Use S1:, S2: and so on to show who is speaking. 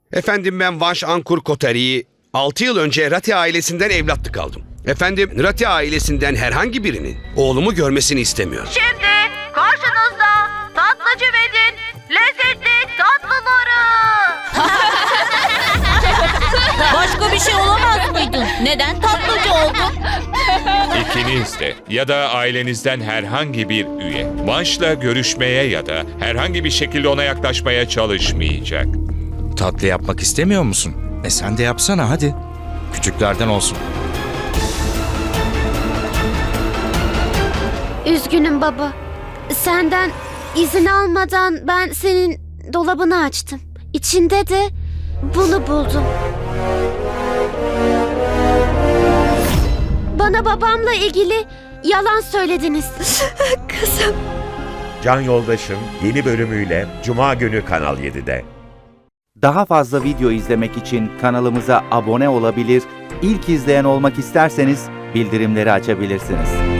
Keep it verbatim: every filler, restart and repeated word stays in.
S1: Efendim ben Vanş Ankur Kotari'yi altı yıl önce Rati ailesinden evlatlık aldım. Efendim Rati ailesinden herhangi birinin oğlumu görmesini istemiyorum.
S2: Şimdi karşınızda Tatlıcı Ved'in lezzetli tatlıları.
S3: Başka bir şey olamaz mıydın? Neden tatlıcı oldun?
S4: İkiniz de ya da ailenizden herhangi bir üye Vanş'la görüşmeye ya da herhangi bir şekilde ona yaklaşmaya çalışmayacak.
S5: Tatlı yapmak istemiyor musun? E sen de yapsana hadi. Küçüklerden olsun.
S6: Üzgünüm baba. Senden izin almadan ben senin dolabını açtım. İçinde de bunu buldum. Bana babamla ilgili yalan söylediniz. Kızım.
S7: Can Yoldaşım yeni bölümüyle Cuma günü Kanal yedide.
S8: Daha fazla video izlemek için kanalımıza abone olabilir, ilk izleyen olmak isterseniz bildirimleri açabilirsiniz.